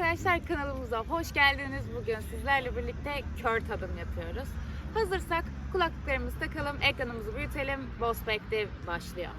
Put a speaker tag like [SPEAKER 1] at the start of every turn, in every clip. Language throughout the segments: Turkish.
[SPEAKER 1] arkadaşlar, kanalımıza hoş geldiniz. Bugün sizlerle birlikte kör tadım yapıyoruz. Hazırsak kulaklıklarımızı takalım, ekranımızı büyütelim. Boss Back'te başlıyor.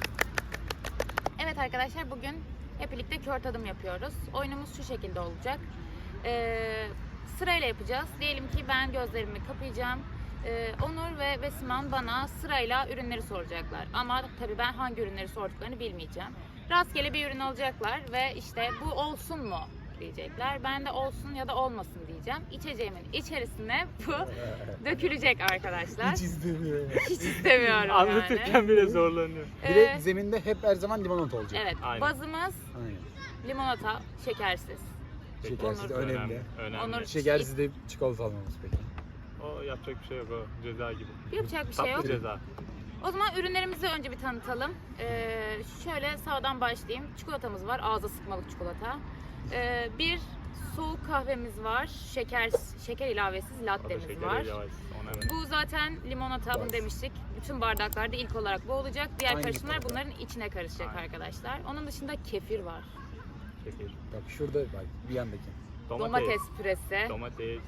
[SPEAKER 1] Evet arkadaşlar, bugün hep birlikte kör tadım yapıyoruz. Oyunumuz şu şekilde olacak. Sırayla yapacağız. Diyelim ki ben gözlerimi kapayacağım. Onur ve Besiman bana sırayla ürünleri soracaklar. Ama tabii ben hangi ürünleri sorduklarını bilmeyeceğim. Rastgele bir ürün alacaklar ve işte bu olsun mu diyecekler. Ben de olsun ya da olmasın diyeceğim. İçeceğimin içerisine bu dökülecek arkadaşlar.
[SPEAKER 2] Hiç istemiyorum.
[SPEAKER 1] Hiç istemiyorum yani.
[SPEAKER 3] Anlatırken bile zorlanıyor.
[SPEAKER 2] Bir de zeminde hep her zaman limonata olacak.
[SPEAKER 1] Evet,
[SPEAKER 3] Aynen.
[SPEAKER 1] bazımız
[SPEAKER 2] Aynen.
[SPEAKER 1] limonata, şekersiz.
[SPEAKER 2] Şekersiz de
[SPEAKER 1] Onur-
[SPEAKER 2] önemli.
[SPEAKER 3] Önemli.
[SPEAKER 1] Onur-
[SPEAKER 2] Şekersiz de çikolata almamız peki.
[SPEAKER 3] O yapacak bir şey yok, o ceza gibi.
[SPEAKER 1] Yapacak bir şey
[SPEAKER 3] Tatlı
[SPEAKER 1] yok.
[SPEAKER 3] ceza.
[SPEAKER 1] O zaman ürünlerimizi önce bir tanıtalım. Şöyle sağdan başlayayım. Çikolatamız var, ağza sıkmalık çikolata. Bir soğuk kahvemiz var, şeker ilavesiz
[SPEAKER 3] O da
[SPEAKER 1] lattemiz
[SPEAKER 3] şekeri
[SPEAKER 1] var.
[SPEAKER 3] yavaş. Ona evet.
[SPEAKER 1] Bu zaten limonata, bunu
[SPEAKER 2] Bas.
[SPEAKER 1] demiştik. Bütün bardaklarda ilk olarak bu olacak. Diğer
[SPEAKER 2] Aynı
[SPEAKER 1] karışımlar
[SPEAKER 2] tadı.
[SPEAKER 1] bunların içine karışacak
[SPEAKER 3] Aynen.
[SPEAKER 1] arkadaşlar. Onun dışında kefir var.
[SPEAKER 3] Şeker.
[SPEAKER 2] Bak şurada bak bir yandaki.
[SPEAKER 1] Domates püresi.
[SPEAKER 3] Domates.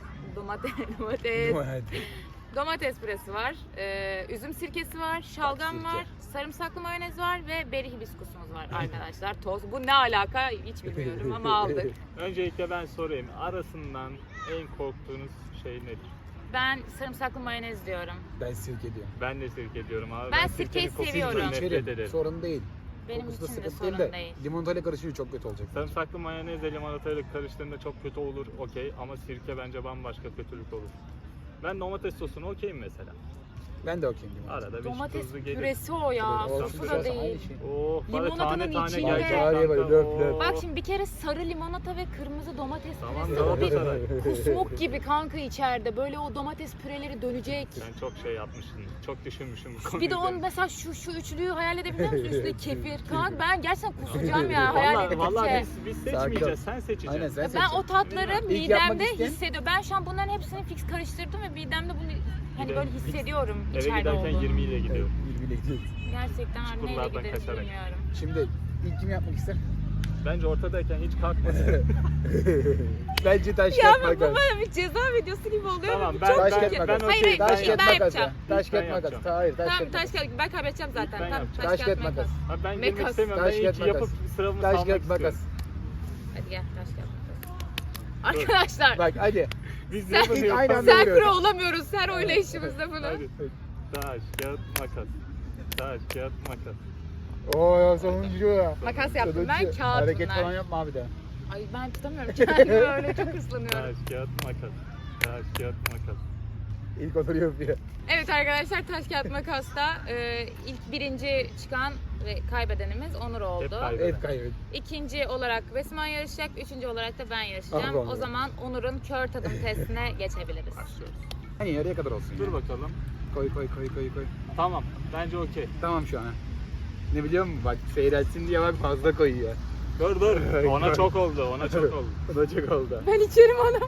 [SPEAKER 1] Domates püresi var. Üzüm sirkesi var. Şalgam
[SPEAKER 2] sirke.
[SPEAKER 1] var. Sarımsaklı mayonez var ve beri hibiskusumuz var arkadaşlar. Toz. Bu ne alaka hiç bilmiyorum ama aldık.
[SPEAKER 3] Öncelikle ben sorayım. Arasından en korktuğunuz şey nedir?
[SPEAKER 1] Ben sarımsaklı mayonez diyorum.
[SPEAKER 2] Ben sirke diyorum.
[SPEAKER 3] Ben de sirke diyorum abi.
[SPEAKER 1] Ben
[SPEAKER 3] sirkenin
[SPEAKER 1] sirkeyi
[SPEAKER 3] kokusundan
[SPEAKER 1] seviyorum.
[SPEAKER 3] nefret
[SPEAKER 2] İçerim.
[SPEAKER 3] ederim.
[SPEAKER 2] Sorun değil.
[SPEAKER 1] Benim
[SPEAKER 2] Kokusu da
[SPEAKER 1] için de
[SPEAKER 2] sıkıntı
[SPEAKER 1] sorun
[SPEAKER 2] değil de
[SPEAKER 1] değil.
[SPEAKER 2] limonatayla karışınca çok kötü olacak.
[SPEAKER 3] Sarımsaklı mayonezle limonatayla karıştığında çok kötü olur, okey. Ama sirke bence bambaşka kötülük olur. Ben domates sosunu okeyim mesela.
[SPEAKER 2] Ben de okuyayım limonata.
[SPEAKER 3] Arada bir
[SPEAKER 1] Domates
[SPEAKER 3] tuzlu gelir.
[SPEAKER 1] püresi o ya.
[SPEAKER 2] Olsun,
[SPEAKER 1] Sosu
[SPEAKER 2] biraz
[SPEAKER 1] da
[SPEAKER 2] aynı
[SPEAKER 1] değil.
[SPEAKER 2] şey.
[SPEAKER 3] Oh, bana
[SPEAKER 1] Limonatanın
[SPEAKER 3] tane tane
[SPEAKER 1] içinde-
[SPEAKER 3] gelecek
[SPEAKER 2] Var ya böyle
[SPEAKER 3] kanka.
[SPEAKER 2] löp löp.
[SPEAKER 1] Bak şimdi bir kere sarı limonata ve kırmızı domates
[SPEAKER 3] Tamam,
[SPEAKER 1] püresi. O bir
[SPEAKER 3] Galatasaray.
[SPEAKER 1] kusmuk gibi kanka içeride. Böyle o domates püreleri dönecek.
[SPEAKER 3] Sen çok şey yapmışsın. Çok düşünmüşsün bu konuyu.
[SPEAKER 1] Bir de onun mesela şu üçlüyü hayal edebiliyor musun? Üstünde kefir. Kanka ben gerçekten kusacağım ya hayal edince.
[SPEAKER 3] Vallahi biz
[SPEAKER 2] Sakin ol.
[SPEAKER 3] seçmeyeceğiz. Sen seçeceksin.
[SPEAKER 2] Aynen sen
[SPEAKER 1] Ben
[SPEAKER 2] seçeceksin.
[SPEAKER 1] o tatları
[SPEAKER 2] İlk yapmak
[SPEAKER 1] midemde
[SPEAKER 2] isteyen-
[SPEAKER 1] hissediyorum. Ben şu an bunların hepsini fix karıştırdım ve midemde bunu hani
[SPEAKER 3] Bir de
[SPEAKER 1] böyle hissediyorum
[SPEAKER 3] Eve
[SPEAKER 1] içeride
[SPEAKER 3] giderken
[SPEAKER 1] olduğunu.
[SPEAKER 3] 20 ile gidiyor.
[SPEAKER 2] Birbirine gidiyoruz.
[SPEAKER 1] Gerçekten neyle
[SPEAKER 3] Çukurlardan
[SPEAKER 1] gideriz
[SPEAKER 3] kaçarak.
[SPEAKER 1] bilmiyorum.
[SPEAKER 2] Şimdi ilk kim yapmak ister?
[SPEAKER 3] Bence ortadayken hiç kalkmasın.
[SPEAKER 2] Bence taş
[SPEAKER 1] Ya
[SPEAKER 2] kağıt
[SPEAKER 1] bu
[SPEAKER 2] makas.
[SPEAKER 1] bana bir ceza videosu gibi oluyor.
[SPEAKER 3] Tamam,
[SPEAKER 1] Bu
[SPEAKER 3] ben-
[SPEAKER 1] çok
[SPEAKER 2] Taş
[SPEAKER 3] ben-
[SPEAKER 2] kağıt
[SPEAKER 1] kötü.
[SPEAKER 2] makas.
[SPEAKER 1] Hayır, hayır,
[SPEAKER 2] Taş
[SPEAKER 1] ben
[SPEAKER 2] kağıt makas.
[SPEAKER 1] yapacağım.
[SPEAKER 2] Taş
[SPEAKER 3] Ben
[SPEAKER 2] kağıt
[SPEAKER 3] yapacağım.
[SPEAKER 2] makas. Hayır taş
[SPEAKER 1] Tamam
[SPEAKER 2] kağıt
[SPEAKER 1] taş
[SPEAKER 2] makas.
[SPEAKER 1] kağıt ben kaybedeceğim zaten.
[SPEAKER 3] Ben
[SPEAKER 1] Tamam
[SPEAKER 3] yapacağım.
[SPEAKER 2] Taş kağıt makas.
[SPEAKER 3] Abi ben girmek
[SPEAKER 1] Mekas.
[SPEAKER 3] istemiyorum.
[SPEAKER 2] Taş
[SPEAKER 3] Ben
[SPEAKER 2] kağıt
[SPEAKER 3] ilk yapıp
[SPEAKER 2] makas.
[SPEAKER 3] sıramı
[SPEAKER 2] Taş
[SPEAKER 3] salmak
[SPEAKER 2] kağıt
[SPEAKER 3] istiyorum.
[SPEAKER 2] makas.
[SPEAKER 1] Hadi gel taş kağıt makas. Arkadaşlar
[SPEAKER 2] Bak hadi.
[SPEAKER 3] Biz
[SPEAKER 1] Sen-
[SPEAKER 3] yapın
[SPEAKER 2] İlk aynı anda
[SPEAKER 1] sen
[SPEAKER 2] vuruyoruz.
[SPEAKER 1] pro olamıyoruz her oynayışımızda bunu.
[SPEAKER 3] Hadi. Taş, kağıt, makas. Taş, kağıt, makas.
[SPEAKER 2] Oo sonuncu.
[SPEAKER 1] Makas yaptım ben,
[SPEAKER 2] Sonuncu.
[SPEAKER 1] kağıt
[SPEAKER 2] Hareket
[SPEAKER 1] bunlar.
[SPEAKER 2] falan yapma abi de.
[SPEAKER 1] Ay ben tutamıyorum kendimi öyle çok hırslanıyorum.
[SPEAKER 3] Taş, kağıt, makas. Taş, kağıt, makas.
[SPEAKER 2] İlk oturuyor yapıyor.
[SPEAKER 1] Evet arkadaşlar taş kağıt makasta ilk birinci çıkan ve kaybedenimiz Onur oldu.
[SPEAKER 3] kaybeden.
[SPEAKER 2] Hep kaybediyor.
[SPEAKER 1] İkinci olarak Besiman yarışacak, üçüncü olarak da ben yarışacağım.
[SPEAKER 2] Allah Allah.
[SPEAKER 1] O zaman Onur'un kör tadım testine geçebiliriz.
[SPEAKER 3] Başlıyoruz.
[SPEAKER 2] Hani yarıya kadar olsun.
[SPEAKER 3] Dur
[SPEAKER 2] ya.
[SPEAKER 3] bakalım.
[SPEAKER 2] Koy koy koy koy koy.
[SPEAKER 3] Tamam. Bence okey.
[SPEAKER 2] Tamam şu an. Ha. Ne biliyor musun? Bak seyretsin diye bak fazla koyuyor.
[SPEAKER 3] Dur dur. Ona çok oldu. Ona çok oldu.
[SPEAKER 2] O da çok oldu.
[SPEAKER 1] Ben içerim onu.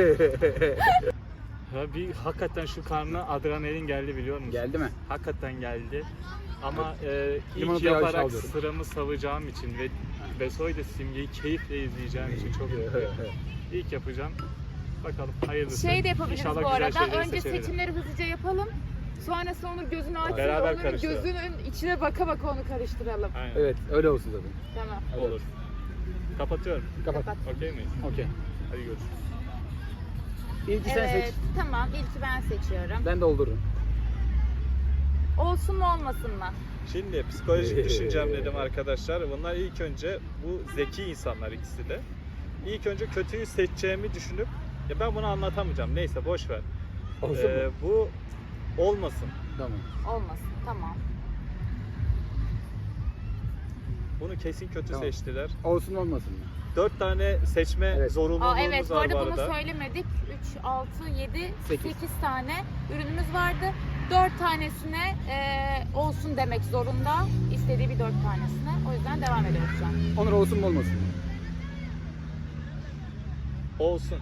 [SPEAKER 3] Ya bir hakikaten şu karnına adrenalin geldi biliyor musun?
[SPEAKER 2] Geldi mi?
[SPEAKER 3] Hakikaten geldi. Ama ilk
[SPEAKER 2] Limonatayı aşağı
[SPEAKER 3] yaparak
[SPEAKER 2] alıyorum.
[SPEAKER 3] sıramı savacağım için ve Besoy da Simge'yi keyifle izleyeceğim için çok mutluyum. İlk yapacağım. Bakalım hayırlısı.
[SPEAKER 1] Şey de yapabiliriz
[SPEAKER 3] İnşallah
[SPEAKER 1] bu
[SPEAKER 3] güzel
[SPEAKER 1] arada.
[SPEAKER 3] şeyleri
[SPEAKER 1] Önce
[SPEAKER 3] seçebilirim.
[SPEAKER 1] seçimleri hızlıca yapalım. Sonrasında Onur gözünü açsın.
[SPEAKER 3] Beraber
[SPEAKER 1] Onur'un
[SPEAKER 3] karıştıralım.
[SPEAKER 1] gözünün içine baka baka onu karıştıralım.
[SPEAKER 3] Aynen.
[SPEAKER 2] Evet öyle olsun zaten.
[SPEAKER 1] Tamam.
[SPEAKER 2] Evet.
[SPEAKER 3] Olur. Kapatıyorum.
[SPEAKER 2] Kapat.
[SPEAKER 1] Kapat.
[SPEAKER 3] Okey miyiz?
[SPEAKER 2] Okey.
[SPEAKER 3] Hadi görüşürüz.
[SPEAKER 2] İlki sen
[SPEAKER 1] Evet
[SPEAKER 2] seç.
[SPEAKER 1] tamam ilki ben seçiyorum.
[SPEAKER 2] Ben doldururum.
[SPEAKER 1] Olsun mu olmasın mı?
[SPEAKER 3] Şimdi psikolojik düşüncem dedim arkadaşlar. Bunlar ilk önce bu zeki insanlar ikisi de. İlk önce kötüyü seçeceğimi düşünüp ya ben bunu anlatamayacağım. Neyse boş ver.
[SPEAKER 2] Olsun mu?
[SPEAKER 3] Bu olmasın.
[SPEAKER 2] Tamam.
[SPEAKER 1] Olmasın tamam.
[SPEAKER 3] Bunu kesin kötü
[SPEAKER 2] Tamam.
[SPEAKER 3] seçtiler.
[SPEAKER 2] Olsun olmasın mı?
[SPEAKER 3] 4 tane seçme
[SPEAKER 2] Evet.
[SPEAKER 3] zorunluluğumuz
[SPEAKER 1] Evet bu
[SPEAKER 3] var
[SPEAKER 1] arada
[SPEAKER 3] bu
[SPEAKER 1] bunu
[SPEAKER 3] arada.
[SPEAKER 1] söylemedik. 3, 6, 7, 8
[SPEAKER 2] Sekiz.
[SPEAKER 1] tane ürünümüz vardı. 4 tanesine olsun demek zorunda. İstediği bir 4 tanesine. O yüzden devam ediyoruz şu an.
[SPEAKER 2] Onur olsun mu olmasın mı?
[SPEAKER 3] Olsun.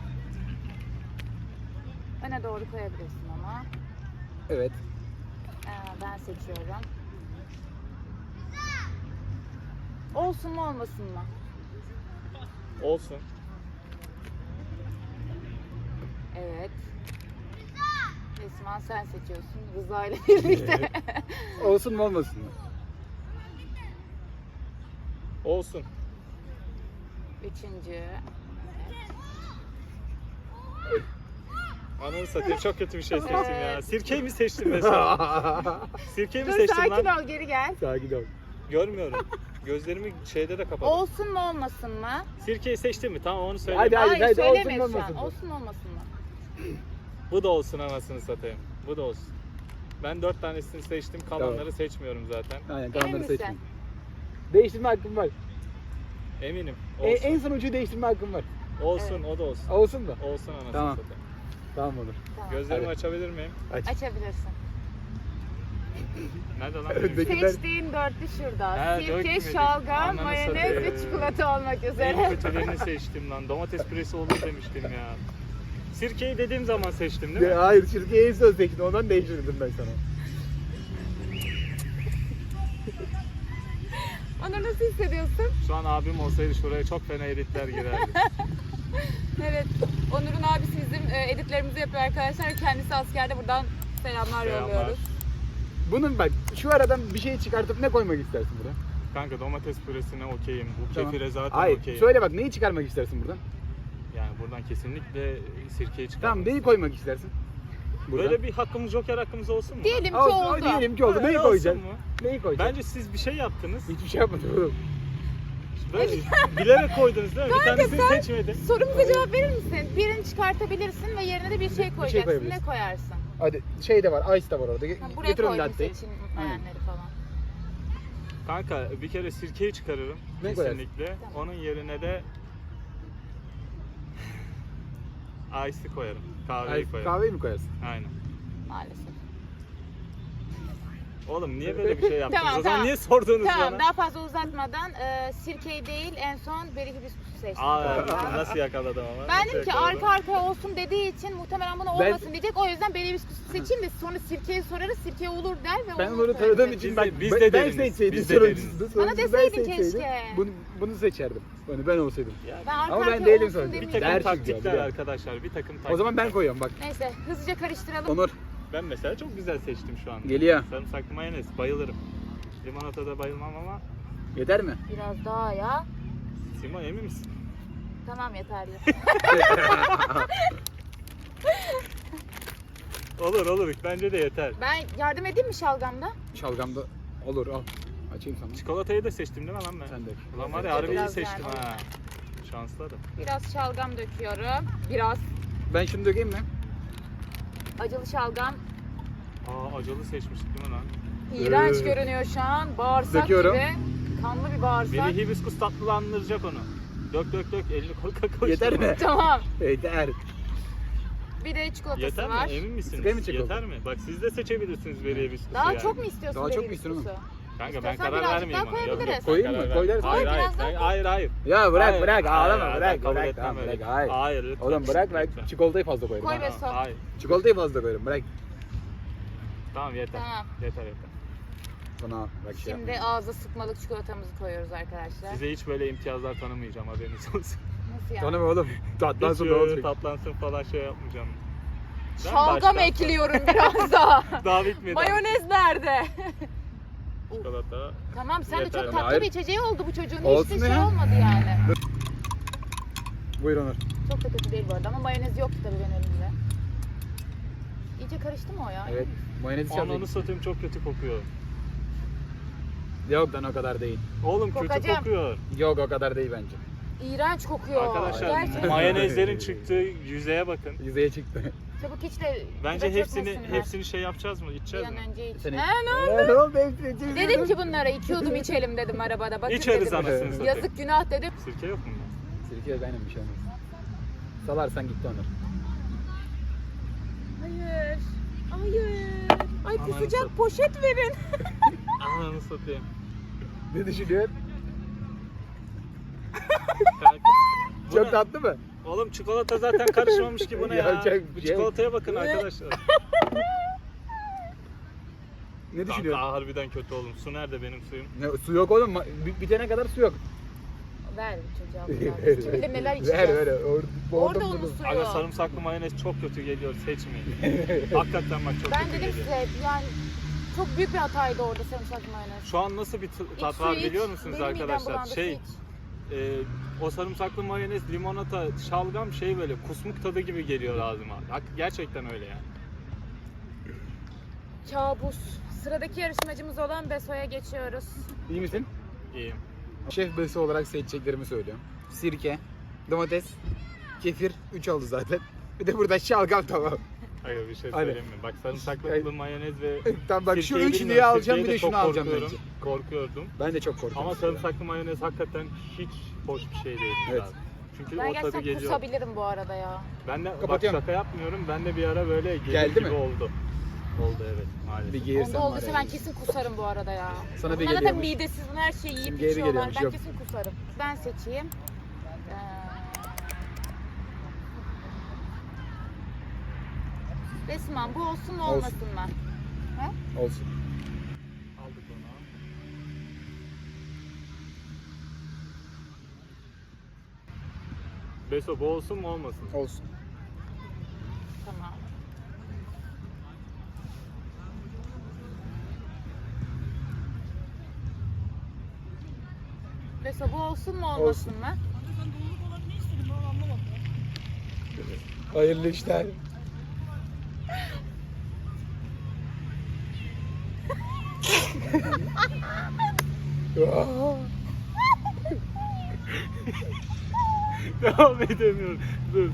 [SPEAKER 1] Öne doğru koyabilirsin ama.
[SPEAKER 2] Evet.
[SPEAKER 1] Ben seçiyorum. Olsun mu olmasın mı?
[SPEAKER 3] Olsun.
[SPEAKER 1] Evet. Esma sen seçiyorsun. Rıza ile birlikte.
[SPEAKER 2] Olsun mu olmasın mı?
[SPEAKER 3] Olsun.
[SPEAKER 1] Üçüncü.
[SPEAKER 3] Ananı satayım, çok kötü bir şey seçtim ya. Sirkeyi mi seçtim mesela? Sirkeyi mi
[SPEAKER 1] Dur
[SPEAKER 3] seçtim
[SPEAKER 1] sakin
[SPEAKER 3] lan?
[SPEAKER 1] ol, geri gel.
[SPEAKER 2] Sakin ol.
[SPEAKER 3] Görmüyorum. Gözlerimi şeyde de kapadım.
[SPEAKER 1] Olsun mu olmasın mı?
[SPEAKER 3] Sirkeyi seçtim mi? Tamam, onu söyle.
[SPEAKER 2] Hadi.
[SPEAKER 1] Hayır
[SPEAKER 2] olsun mu
[SPEAKER 1] söylemeyiz şu
[SPEAKER 2] olmasın
[SPEAKER 1] an.
[SPEAKER 2] mı?
[SPEAKER 1] Olsun mu olmasın mı?
[SPEAKER 3] Bu da olsun, anasını satayım. Bu da olsun. Ben 4 tanesini seçtim. Kalanları
[SPEAKER 2] Tamam.
[SPEAKER 3] seçmiyorum zaten.
[SPEAKER 2] Aynen,
[SPEAKER 1] Emin
[SPEAKER 2] kalanları
[SPEAKER 1] misin?
[SPEAKER 2] seçmeyin. Değiştirme hakkım var.
[SPEAKER 3] Eminim. Olsun.
[SPEAKER 2] En son ucuyu değiştirme hakkım var.
[SPEAKER 3] Olsun,
[SPEAKER 1] Evet.
[SPEAKER 3] o da olsun.
[SPEAKER 2] Olsun mu?
[SPEAKER 3] Olsun anasını
[SPEAKER 2] Tamam.
[SPEAKER 3] satayım.
[SPEAKER 2] Tamam olur.
[SPEAKER 1] Tamam.
[SPEAKER 3] Gözlerimi
[SPEAKER 2] Hadi.
[SPEAKER 3] açabilir miyim?
[SPEAKER 2] Aç.
[SPEAKER 1] Açabilirsin.
[SPEAKER 3] Nerede lan?
[SPEAKER 2] Öndekiler-
[SPEAKER 1] Seçtiğin dörtlü şurada.
[SPEAKER 3] Ha,
[SPEAKER 1] Sirke,
[SPEAKER 3] dökmedik.
[SPEAKER 1] şalgam,
[SPEAKER 3] Ananı
[SPEAKER 1] mayonez
[SPEAKER 3] satayım.
[SPEAKER 1] ve çikolata olmak üzere.
[SPEAKER 3] En kötülerini seçtim lan. Domates püresi olur demiştim ya. Sirkeyi dediğim zaman seçtim değil mi?
[SPEAKER 2] Hayır, çizgiyi en son seçtin. Ondan değiştirdim ben sana.
[SPEAKER 1] Onu nasıl hissediyorsun?
[SPEAKER 3] Şu an abim olsaydı şuraya çok fena editler girerdi.
[SPEAKER 1] Evet. Onur'un abisi bizim editlerimizi yapıyor arkadaşlar. Kendisi askerde, buradan selamlar
[SPEAKER 3] Selamlar.
[SPEAKER 1] yolluyoruz.
[SPEAKER 2] Bunun bak, şu aradan bir şey çıkartıp ne koymak istersin burada?
[SPEAKER 3] Kanka domates püresine okeyim. Bu
[SPEAKER 2] Tamam.
[SPEAKER 3] kefire zaten
[SPEAKER 2] Hayır,
[SPEAKER 3] okeyim.
[SPEAKER 2] söyle bak, neyi çıkarmak istersin buradan?
[SPEAKER 3] Yani buradan kesinlikle sirkeyi çıkar.
[SPEAKER 2] Tamam, neyi koymak istersin? Buradan.
[SPEAKER 3] Böyle bir hakkımız, joker hakkımız olsun mu?
[SPEAKER 1] Diyelim ki
[SPEAKER 2] Olsun,
[SPEAKER 1] oldu.
[SPEAKER 2] diyelim ki oldu.
[SPEAKER 3] Öyle
[SPEAKER 2] Neyi
[SPEAKER 3] olsun
[SPEAKER 2] koyacaksın?
[SPEAKER 3] mu?
[SPEAKER 2] Neyi koyacaksın?
[SPEAKER 3] Bence siz bir şey yaptınız.
[SPEAKER 2] Hiçbir şey yapmadım oğlum.
[SPEAKER 3] Böyle bilerek koydunuz değil mi? Bir tanesini
[SPEAKER 1] sen-
[SPEAKER 3] seçmedin.
[SPEAKER 1] Sorumuza cevap verir misin? Birini çıkartabilirsin ve yerine de bir şey koyacaksın. Ne
[SPEAKER 2] koyabilirsin.
[SPEAKER 1] koyarsın?
[SPEAKER 2] Hadi şey de var, ice de var orada.
[SPEAKER 1] Ha, buraya
[SPEAKER 2] Getir onu
[SPEAKER 1] koydum
[SPEAKER 2] latteyi.
[SPEAKER 1] seçilmeyenleri falan.
[SPEAKER 3] Kanka bir kere sirkeyi çıkarırım.
[SPEAKER 2] Ne
[SPEAKER 3] kesinlikle.
[SPEAKER 1] Tamam.
[SPEAKER 3] Onun yerine de ice'i koyarım. Kahveyi koyarım.
[SPEAKER 2] Kahveyi mi koyarsın?
[SPEAKER 3] Aynen.
[SPEAKER 1] Maalesef.
[SPEAKER 3] Oğlum niye böyle bir şey yaptınız?
[SPEAKER 1] Tamam,
[SPEAKER 3] O zaman
[SPEAKER 1] tamam.
[SPEAKER 3] niye sordunuz
[SPEAKER 1] Tamam,
[SPEAKER 3] bana?
[SPEAKER 1] daha fazla uzatmadan sirkeyi değil, en son beri hibiskusu seçtim.
[SPEAKER 3] Aa, nasıl yakaladım ama?
[SPEAKER 1] Ben
[SPEAKER 3] Nasıl
[SPEAKER 1] dedim ki
[SPEAKER 3] yakaladım?
[SPEAKER 1] arka arkaya olsun dediği için muhtemelen buna
[SPEAKER 2] Ben-
[SPEAKER 1] olmasın diyecek. O yüzden beri hibiskusu seçeyim de sonra sirkeyi sorarız, sirke olur der ve
[SPEAKER 2] Ben
[SPEAKER 1] onu
[SPEAKER 2] bunu
[SPEAKER 1] koyarız.
[SPEAKER 2] tanıdığım için
[SPEAKER 3] Biz
[SPEAKER 2] bak,
[SPEAKER 3] de- biz
[SPEAKER 2] ben
[SPEAKER 3] de deriniz,
[SPEAKER 2] seçseydim
[SPEAKER 3] biz de
[SPEAKER 2] sorumsuzdu.
[SPEAKER 3] deriniz.
[SPEAKER 1] Bana
[SPEAKER 2] Sorumsuz
[SPEAKER 1] deseydin
[SPEAKER 2] ben seçseydim,
[SPEAKER 1] keşke.
[SPEAKER 2] Bunu seçerdim. Ben olsaydım.
[SPEAKER 3] Ya,
[SPEAKER 1] Ben arka
[SPEAKER 2] Ama ben
[SPEAKER 1] arkaya
[SPEAKER 2] değilim
[SPEAKER 1] olsun
[SPEAKER 2] sonra.
[SPEAKER 3] bir
[SPEAKER 1] demeyeceğim.
[SPEAKER 3] takım
[SPEAKER 2] Dersiz ya,
[SPEAKER 3] taktikler
[SPEAKER 2] biliyorum.
[SPEAKER 3] arkadaşlar. Bir takım taktikler.
[SPEAKER 2] O zaman ben koyuyorum bak.
[SPEAKER 1] Neyse hızlıca karıştıralım.
[SPEAKER 2] Onur
[SPEAKER 3] Ben mesela çok güzel seçtim şu an.
[SPEAKER 2] geliyor.
[SPEAKER 3] Sarımsaklı mayonez bayılırım. Limonatada bayılmam ama
[SPEAKER 2] Yeter mi?
[SPEAKER 1] Biraz daha ya.
[SPEAKER 3] Simo emin misin?
[SPEAKER 1] Tamam yeterli.
[SPEAKER 3] Olur bence de yeter.
[SPEAKER 1] Ben yardım edeyim mi şalgamda?
[SPEAKER 2] Şalgamda olur, al. Açayım sana.
[SPEAKER 3] Çikolatayı da seçtim değil mi lan ben?
[SPEAKER 2] Sen dök.
[SPEAKER 3] Ulan var ya
[SPEAKER 1] Evet,
[SPEAKER 3] harbi iyi
[SPEAKER 1] biraz
[SPEAKER 3] seçtim
[SPEAKER 1] yani.
[SPEAKER 3] ha. Şanslarım.
[SPEAKER 1] Biraz şalgam döküyorum. Biraz
[SPEAKER 2] Ben şunu dökeyim mi?
[SPEAKER 1] acılı şalgam.
[SPEAKER 3] Aa acılı seçmiştik değil mi lan?
[SPEAKER 1] İğrenç görünüyor şu an. Bağırsak
[SPEAKER 2] Döküyorum.
[SPEAKER 1] gibi. Kanlı bir bağırsak.
[SPEAKER 3] Biri hibiskus tatlılandıracak onu. Dök elini koy koy.
[SPEAKER 2] Yeter mi?
[SPEAKER 1] Tamam.
[SPEAKER 2] Yeter.
[SPEAKER 1] Bir de çikolatası
[SPEAKER 3] Yeter
[SPEAKER 1] var.
[SPEAKER 3] mi? Emin misiniz?
[SPEAKER 2] Sıkayım mı çikolata?
[SPEAKER 3] Yeter mi? Bak siz de seçebilirsiniz beri hibiskusu
[SPEAKER 1] Daha
[SPEAKER 3] yani.
[SPEAKER 1] çok mu istiyorsun?
[SPEAKER 2] Daha çok
[SPEAKER 1] beri
[SPEAKER 2] mu istiyorum?
[SPEAKER 1] hibiskusu?
[SPEAKER 3] Kanka ben
[SPEAKER 1] İstiyorsan
[SPEAKER 3] karar
[SPEAKER 1] birazcık
[SPEAKER 3] vermeyeyim
[SPEAKER 1] daha
[SPEAKER 3] ona.
[SPEAKER 1] koyabiliriz.
[SPEAKER 3] ben
[SPEAKER 2] Koyayım mı?
[SPEAKER 3] karar
[SPEAKER 2] Koy
[SPEAKER 3] vermeyeyim.
[SPEAKER 2] dersin.
[SPEAKER 3] Hayır
[SPEAKER 1] Koy,
[SPEAKER 3] hayır.
[SPEAKER 1] biraz daha koy.
[SPEAKER 3] Hayır.
[SPEAKER 2] Ya bırak
[SPEAKER 3] Hayır,
[SPEAKER 2] bırak,
[SPEAKER 3] hayır,
[SPEAKER 2] ağlama
[SPEAKER 3] hayır,
[SPEAKER 2] bırak
[SPEAKER 3] ben kabul
[SPEAKER 2] bırak.
[SPEAKER 3] etmem
[SPEAKER 2] Tamam
[SPEAKER 3] öyle.
[SPEAKER 2] bırak, hayır.
[SPEAKER 3] Hayır lütfen.
[SPEAKER 2] Oğlum bırak
[SPEAKER 3] Lütfen.
[SPEAKER 2] çikolatayı fazla koyarım.
[SPEAKER 1] Koy
[SPEAKER 2] ha.
[SPEAKER 1] ve sok.
[SPEAKER 3] Hayır.
[SPEAKER 2] Çikolatayı fazla koyarım, bırak.
[SPEAKER 3] Tamam yeter.
[SPEAKER 1] Tamam.
[SPEAKER 3] Yeter.
[SPEAKER 2] Sana bak şey
[SPEAKER 1] Şimdi
[SPEAKER 2] yapma.
[SPEAKER 1] ağza sıkmalık çikolatamızı koyuyoruz arkadaşlar.
[SPEAKER 3] Size hiç böyle imtiyazlar tanımayacağım, haberiniz olsun.
[SPEAKER 1] Nasıl yani?
[SPEAKER 2] Tanım oğlum. Tatlansın
[SPEAKER 3] Hiç
[SPEAKER 2] ne
[SPEAKER 3] öyle
[SPEAKER 2] olacak?
[SPEAKER 3] tatlansın falan şey yapmayacağım. Ben
[SPEAKER 1] Şalgam
[SPEAKER 3] baştan-
[SPEAKER 1] ekliyorum biraz daha.
[SPEAKER 3] Daha bitmedi.
[SPEAKER 1] Mayonez nerede?
[SPEAKER 3] Çikolata.
[SPEAKER 1] Tamam sen de
[SPEAKER 3] Yeter.
[SPEAKER 1] çok tatlı
[SPEAKER 2] Hayır.
[SPEAKER 1] bir içeceği oldu bu çocuğun.
[SPEAKER 2] Olsun
[SPEAKER 1] Hiç de şey
[SPEAKER 2] ya.
[SPEAKER 1] olmadı yani.
[SPEAKER 2] Buyur Onur.
[SPEAKER 1] Çok da kötü değil bu arada ama mayonez yoktu tabii benim elimde. İyice karıştı mı o ya?
[SPEAKER 2] Evet. Mayonezi
[SPEAKER 3] Ananı
[SPEAKER 2] çalacak.
[SPEAKER 3] satayım çok kötü kokuyor.
[SPEAKER 2] Yok lan o kadar değil.
[SPEAKER 3] Oğlum kötü
[SPEAKER 1] Kokacağım.
[SPEAKER 3] kokuyor.
[SPEAKER 2] Yok o kadar değil bence.
[SPEAKER 1] İğrenç kokuyor.
[SPEAKER 3] Arkadaşlar
[SPEAKER 1] Gerçekten.
[SPEAKER 3] mayonezlerin çıktığı yüzeye bakın.
[SPEAKER 2] Yüzeye çıktı.
[SPEAKER 1] Çabuk iç de.
[SPEAKER 3] Bence
[SPEAKER 1] biraz
[SPEAKER 3] hepsini
[SPEAKER 1] çökmesinler.
[SPEAKER 3] hepsini şey yapacağız mı?
[SPEAKER 1] Bir
[SPEAKER 3] İçeceğiz
[SPEAKER 1] an
[SPEAKER 3] mi?
[SPEAKER 1] önce iç.
[SPEAKER 2] Seni-
[SPEAKER 1] Ne oldu? Dedim ki
[SPEAKER 2] bu.
[SPEAKER 1] bunlara 2 yudum içelim dedim arabada. Bakın
[SPEAKER 3] İçeriz
[SPEAKER 1] dedim.
[SPEAKER 3] anasını satayım.
[SPEAKER 1] Yazık günah dedim.
[SPEAKER 3] Sirke yok mu?
[SPEAKER 2] Sirke aynen bir şey olmaz. Salarsan gitti Onur.
[SPEAKER 1] Hayır. Hayır. Ay
[SPEAKER 3] Aman
[SPEAKER 1] kusacak
[SPEAKER 3] Rıfat.
[SPEAKER 1] poşet verin.
[SPEAKER 3] Ananı satayım.
[SPEAKER 2] Ne düşünüyorsun?
[SPEAKER 3] Kanka. Bu
[SPEAKER 2] Çok
[SPEAKER 3] ne?
[SPEAKER 2] tatlı mı?
[SPEAKER 3] Oğlum çikolata zaten karışmamış ki buna ya.
[SPEAKER 2] Yapacak
[SPEAKER 3] Bu
[SPEAKER 2] bir şey yok.
[SPEAKER 3] çikolataya bakın arkadaşlar.
[SPEAKER 2] Ne düşünüyorsun?
[SPEAKER 3] Kanka harbiden kötü oğlum. Su nerede benim suyum?
[SPEAKER 2] Ne, su yok oğlum. Bitene kadar su yok.
[SPEAKER 1] Ver bu çocuğa.
[SPEAKER 2] Ver,
[SPEAKER 1] Kim bilir neler
[SPEAKER 2] ver,
[SPEAKER 1] içeceğiz.
[SPEAKER 2] ver.
[SPEAKER 1] Orada unutuyor.
[SPEAKER 3] Aga sarımsaklı mayonez çok kötü geliyor, seçmeyin. Hakikaten bak çok
[SPEAKER 1] Ben
[SPEAKER 3] kötü
[SPEAKER 1] dedim
[SPEAKER 3] geliyor.
[SPEAKER 1] size yani çok büyük bir hataydı orada sarımsaklı mayonez.
[SPEAKER 3] Şu an nasıl bir tat var biliyor musunuz
[SPEAKER 1] Benim midem
[SPEAKER 3] arkadaşlar?
[SPEAKER 1] bulandı, su iç.
[SPEAKER 3] O sarımsaklı mayonez, limonata, şalgam şey böyle kusmuk tadı gibi geliyor ağzıma. Gerçekten öyle yani.
[SPEAKER 1] Kabus. Sıradaki yarışmacımız olan Beso'ya geçiyoruz.
[SPEAKER 2] İyi misin?
[SPEAKER 3] İyiyim.
[SPEAKER 2] Şef besi olarak seçeceklerimi söylüyorum. Sirke, domates, kefir 3 oldu zaten. Bir de burada şalgam tamam.
[SPEAKER 3] Hayır bir şey
[SPEAKER 2] Hadi.
[SPEAKER 3] söyleyeyim mi? Bak sarımsaklı
[SPEAKER 2] Hayır.
[SPEAKER 3] mayonez ve
[SPEAKER 2] Tamam bak şu
[SPEAKER 3] sirkeyi
[SPEAKER 2] üçlüyü
[SPEAKER 3] bilmiyorum.
[SPEAKER 2] alacağım bir
[SPEAKER 3] Sirkeyi
[SPEAKER 2] de şunu
[SPEAKER 3] çok
[SPEAKER 2] alacağım
[SPEAKER 3] korkuyorum.
[SPEAKER 2] bence.
[SPEAKER 3] Korkuyordum.
[SPEAKER 2] Ben de çok korkuyorum.
[SPEAKER 3] Ama sarımsaklı mayonez hakikaten hiç hoş bir şey değil.
[SPEAKER 2] Evet.
[SPEAKER 3] Abi. Çünkü
[SPEAKER 1] Ben
[SPEAKER 3] o tadı
[SPEAKER 1] gerçekten
[SPEAKER 3] geliyor.
[SPEAKER 1] kusabilirim bu arada ya.
[SPEAKER 3] Ben de bak
[SPEAKER 2] Kapatıyorum.
[SPEAKER 3] şaka yapmıyorum. Ben de bir ara böyle gelir
[SPEAKER 2] Geldi
[SPEAKER 3] gibi
[SPEAKER 2] mi?
[SPEAKER 3] oldu. Oldu evet maalesef.
[SPEAKER 2] Bir geğirsen
[SPEAKER 1] Onda
[SPEAKER 2] var
[SPEAKER 1] olduysa
[SPEAKER 2] ya.
[SPEAKER 1] ben kesin kusarım bu arada ya.
[SPEAKER 2] Sana bir
[SPEAKER 1] Bunlar da
[SPEAKER 2] geliyormuş.
[SPEAKER 1] midesiz, bunu her şeyi yiyip
[SPEAKER 2] Simge'ye bir
[SPEAKER 1] içiyorlar.
[SPEAKER 2] geliyormuş,
[SPEAKER 1] Ben
[SPEAKER 2] yok.
[SPEAKER 1] kesin kusarım. Ben seçeyim. Resmen bu olsun mu
[SPEAKER 2] Olsun.
[SPEAKER 1] olmasın mı?
[SPEAKER 2] Olsun.
[SPEAKER 3] Aldık onu. Beso bu olsun mu olmasın?
[SPEAKER 2] Olsun.
[SPEAKER 1] Tamam. Mesela bu olsun mu olmasın mı?
[SPEAKER 2] Hayırlı işler.
[SPEAKER 3] Devam edemiyorum. Dur.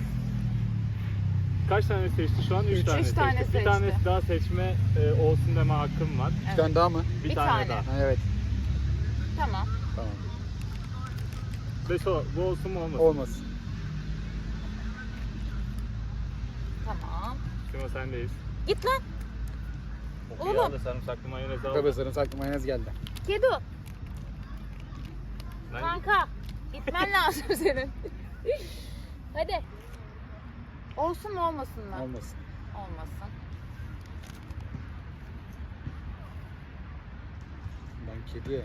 [SPEAKER 3] Kaç tane seçti şu an? 3
[SPEAKER 2] Üç.
[SPEAKER 3] tane
[SPEAKER 1] Üç
[SPEAKER 3] seçti.
[SPEAKER 1] tane
[SPEAKER 3] Bir
[SPEAKER 1] seçti.
[SPEAKER 3] tanesi daha seçme olsun deme hakkım var.
[SPEAKER 2] Bir tane daha mı?
[SPEAKER 3] Bir
[SPEAKER 1] Bir
[SPEAKER 3] tane,
[SPEAKER 1] tane.
[SPEAKER 3] daha.
[SPEAKER 2] Ha, evet.
[SPEAKER 1] Tamam.
[SPEAKER 2] Tamam.
[SPEAKER 3] Beso bu olsun mu olmasın?
[SPEAKER 2] Olmasın.
[SPEAKER 1] Tamam.
[SPEAKER 3] Şimdi sendeyiz.
[SPEAKER 1] Git lan.
[SPEAKER 3] Oğlum.
[SPEAKER 1] Oğlum.
[SPEAKER 3] Ya da sarımsaklı mayonez al.
[SPEAKER 2] Tabii sarımsaklı mayonez geldi.
[SPEAKER 1] Kedu.
[SPEAKER 3] Ben-
[SPEAKER 1] Kanka. Gitmen lazım senin. Hadi. Olsun mu olmasın mı?
[SPEAKER 2] Olmasın.
[SPEAKER 1] Olmasın.
[SPEAKER 2] Ben kedi.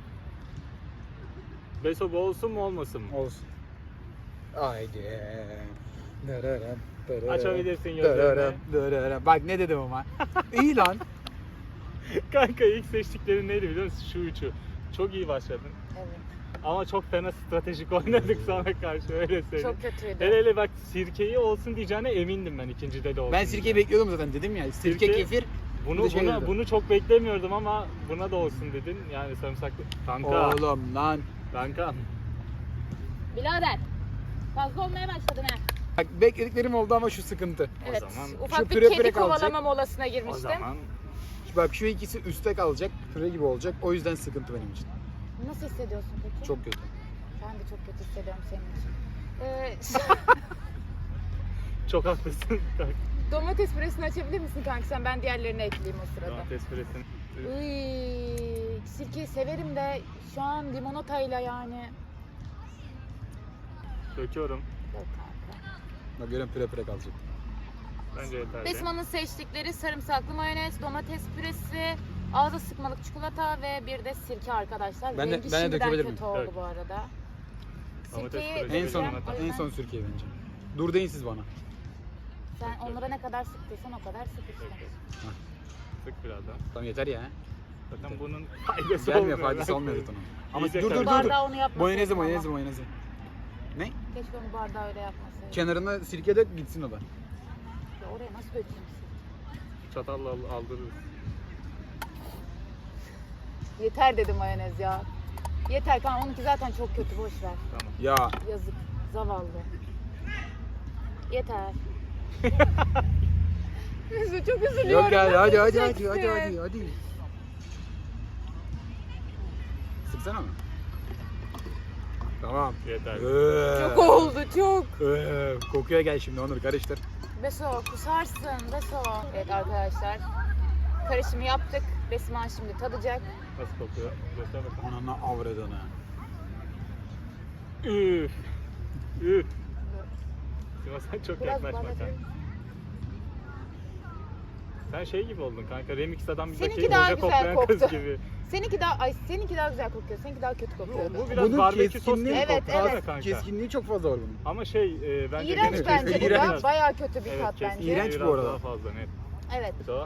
[SPEAKER 3] Beso bu olsun mu olmasın mı?
[SPEAKER 2] Olsun. Haydi. Dırırım, dırırım,
[SPEAKER 3] Açabilirsin
[SPEAKER 2] dırırım,
[SPEAKER 3] gözlerini.
[SPEAKER 2] dırırım. Bak ne dedim ama. İyi lan.
[SPEAKER 3] Kanka ilk seçtiklerin neydi biliyor musun? Şu üçü. Çok iyi başladın.
[SPEAKER 1] Evet.
[SPEAKER 3] Ama çok fena stratejik oynadık sana karşı öyle söyleyeyim.
[SPEAKER 1] Çok kötüydü.
[SPEAKER 3] Hele hele bak sirkeyi olsun diyeceğine emindim ben ikincide de olsun.
[SPEAKER 2] Ben sirkeyi bekliyordum zaten dedim ya. Sirke,
[SPEAKER 3] Sirke-
[SPEAKER 2] kefir. Bir de şey dedim.
[SPEAKER 3] Bunu çok beklemiyordum ama buna da olsun dedin. Yani sarımsaklı. Kanka.
[SPEAKER 2] Oğlum lan.
[SPEAKER 3] Kanka.
[SPEAKER 1] Birader. Fazla olmaya başladın ha.
[SPEAKER 2] Bak beklediklerim oldu ama şu sıkıntı.
[SPEAKER 1] Evet.
[SPEAKER 3] zaman-
[SPEAKER 1] Ufak
[SPEAKER 2] Şu
[SPEAKER 1] bir
[SPEAKER 2] püre
[SPEAKER 1] kedi
[SPEAKER 2] püre kalacak.
[SPEAKER 1] kovalama molasına
[SPEAKER 3] O
[SPEAKER 1] girmiştim.
[SPEAKER 3] zaman
[SPEAKER 2] Bak şu ikisi üstte kalacak. Püre gibi olacak. O yüzden sıkıntı benim için.
[SPEAKER 1] Nasıl hissediyorsun peki?
[SPEAKER 2] Çok kötü.
[SPEAKER 1] Ben de çok kötü hissediyorum senin için.
[SPEAKER 3] çok haklısın.
[SPEAKER 1] Domates püresini açabilir misin kanka sen? Ben diğerlerini ekleyeyim o sırada.
[SPEAKER 3] Domates püresini.
[SPEAKER 1] Iy, sirkeyi severim de şu an limonatayla yani.
[SPEAKER 3] Döküyorum.
[SPEAKER 1] Yok kanka.
[SPEAKER 2] Bak görüyorum püre püre kalacak.
[SPEAKER 3] Bence yeterli.
[SPEAKER 1] Besma'nın seçtikleri sarımsaklı mayonez, domates püresi, ağza sıkmalık çikolata ve bir de sirke arkadaşlar.
[SPEAKER 2] Ben de-
[SPEAKER 1] Rengi
[SPEAKER 2] ben de
[SPEAKER 1] şimdiden
[SPEAKER 2] dökebilir
[SPEAKER 1] kötü
[SPEAKER 2] miyim?
[SPEAKER 1] oldu
[SPEAKER 3] Dök.
[SPEAKER 1] bu arada.
[SPEAKER 3] Domates
[SPEAKER 1] Sirkeyi
[SPEAKER 3] püresi
[SPEAKER 2] En son
[SPEAKER 3] limonata.
[SPEAKER 1] o
[SPEAKER 2] en
[SPEAKER 1] yüzden
[SPEAKER 2] son sirkeyi bence. Dur deyin siz bana.
[SPEAKER 1] sen onlara ne kadar sıktıysan o kadar sık işte.
[SPEAKER 3] Sık biraz daha.
[SPEAKER 2] Tamam yeter ya.
[SPEAKER 3] Zaten bunun faydası
[SPEAKER 2] Gelmiyor
[SPEAKER 3] olmuyor.
[SPEAKER 2] faydası olmuyor zaten onun. Ama
[SPEAKER 3] İyice
[SPEAKER 2] dur dur dur.
[SPEAKER 3] karıştı.
[SPEAKER 2] dur.
[SPEAKER 1] Bardağı onu yapmasaydım
[SPEAKER 2] Mayonezi
[SPEAKER 1] ama.
[SPEAKER 2] mayonezi mayonezi. Ne?
[SPEAKER 1] Keşke onu bardağı öyle yapmasaydım.
[SPEAKER 2] Kenarına sirke dök gitsin o da.
[SPEAKER 1] Ya oraya nasıl dökeyim sirke?
[SPEAKER 3] Çatalla aldırırız.
[SPEAKER 1] Yeter dedi mayonez ya. Yeter kanka onunki zaten çok kötü boş ver.
[SPEAKER 3] Tamam.
[SPEAKER 2] Ya
[SPEAKER 1] Yazık zavallı. Yeter. Mesut çok üzülüyorum.
[SPEAKER 2] yok ya
[SPEAKER 1] Nasıl
[SPEAKER 2] hadi hadi
[SPEAKER 1] içeceksin?
[SPEAKER 2] hadi. Sıksana mı? Tamam.
[SPEAKER 3] Yeter.
[SPEAKER 1] Çok oldu çok.
[SPEAKER 2] Kokuya gel şimdi Onur karıştır.
[SPEAKER 1] Beso kusarsın Beso. Evet arkadaşlar. Karışımı yaptık. Besman şimdi tadacak.
[SPEAKER 3] Nasıl kokuyor? Göster bakalım.
[SPEAKER 2] Ananı avradını.
[SPEAKER 3] Üf. Üf. Sima sen çok
[SPEAKER 1] Biraz
[SPEAKER 3] yaklaşma
[SPEAKER 1] bana
[SPEAKER 3] kanka. Sen şey gibi oldun kanka. Remix adam
[SPEAKER 1] Seninki
[SPEAKER 3] bizdeki
[SPEAKER 1] daha
[SPEAKER 3] hoca
[SPEAKER 1] güzel
[SPEAKER 3] koklayan
[SPEAKER 1] koktu.
[SPEAKER 3] kız gibi.
[SPEAKER 1] Seninki daha güzel kokuyor. Seninki daha kötü kokuyordu.
[SPEAKER 3] Bu biraz
[SPEAKER 2] Bunun
[SPEAKER 3] barbekü sos gibi
[SPEAKER 2] keskinliği-
[SPEAKER 1] Evet,
[SPEAKER 3] koktu
[SPEAKER 1] evet.
[SPEAKER 3] kanka.
[SPEAKER 2] Keskinliği çok fazla var bunun.
[SPEAKER 3] Ama şey bence
[SPEAKER 1] İğrenç
[SPEAKER 3] gene
[SPEAKER 1] bence bu
[SPEAKER 2] iğrenç.
[SPEAKER 1] da. Bayağı kötü bir
[SPEAKER 3] Evet,
[SPEAKER 1] tat
[SPEAKER 3] kesinlikle
[SPEAKER 1] bence.
[SPEAKER 2] İğrenç bu
[SPEAKER 3] biraz
[SPEAKER 2] arada.
[SPEAKER 3] Daha fazla net.
[SPEAKER 1] Evet.
[SPEAKER 3] O.